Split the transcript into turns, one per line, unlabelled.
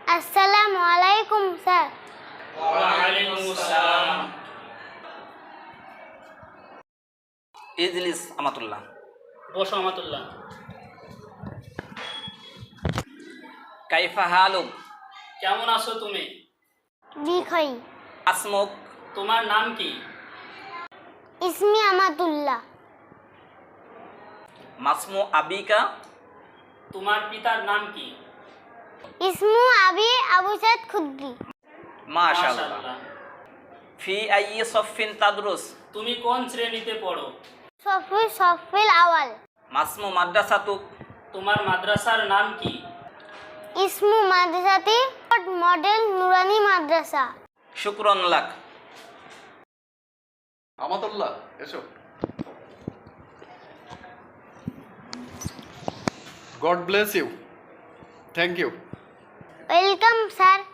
আসসালামু আলাইকুম স্যার।
ওয়ালাইকুম আসসালাম।
ইজলিস আমাতুল্লাহ।
বসো আমাতুল্লাহ।
কাইফা হালুক?
কেমন আছো তুমি?
বিখই।
আসমুক?
তোমার নাম কি?
ইসমি আমাতুল্লাহ।
মাসমু আবিকা?
তোমার পিতার নাম কি?
ইসমু আবি আবু সাইদ খুদ্রি।
মাশাআল্লাহ। ফি আইয়ি সফিন তাদরুস?
তুমি কোন শ্রেণীতে পড়ো?
সফিল আওয়াল।
মাসমু মাদ্রাসাতুক?
তোমার মাদ্রাসার নাম কি?
ইসমু মাদ্রাসাতি মডেল নুরানি মাদ্রাসা।
শুকরান লাক।
আমাতুল্লাহ এসো। God bless you. Thank you.
Welcome sir.